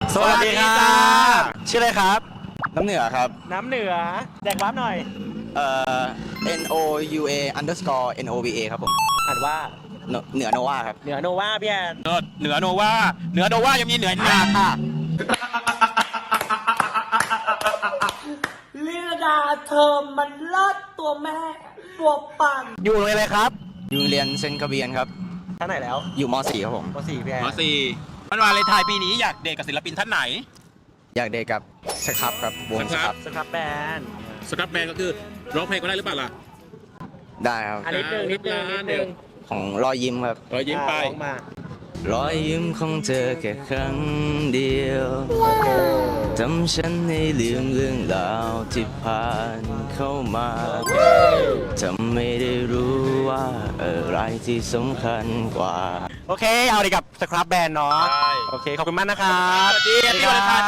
สวัสดีครับชื่ออะไรครับน้ำเหนือครับน้ำเหนือแจกวาร์ปหน่อย NOUA underscore NOVA ครับผมอ่านว่าเหนือโนวาครับเหนือโนวาพี่แอนเหนือโนวายังมีเหนือนาค่ะลีลาดาเธอมันเลิศตัวแม่ตัวปังอยู่เลยเลยครับอยู่โรงเรียนเซนต์คาเบียนครับท่านไหนแล้วอยู่ม .4 ครับผมป .4 พี่แอนวันวาเลนไทน์ปีนี้อยากเดทกับศิลปินท่านไหนอยากเดทกับสครับครับวงสครับสครับแบนสครับแบนก็คือร้องเพลงก็ได้หรือเปล่าล่ะได้ครับอันนิดนึงนิดนึงของรอยยิ้มครับรอยยิ้มไปร้องมารอยยิ้มของเธอแค่ครั้งเดียวทำฉันให้ลืมเรื่องราวที่ผ่านเข้ามาทำไม่ได้รู้ว่าอะไรที่สำคัญกว่าโอเคเอาดีกับสครับแบนเนาะใช่โอเคขอบคุณมากนะครับสวัสดีปีวาเลนไทน์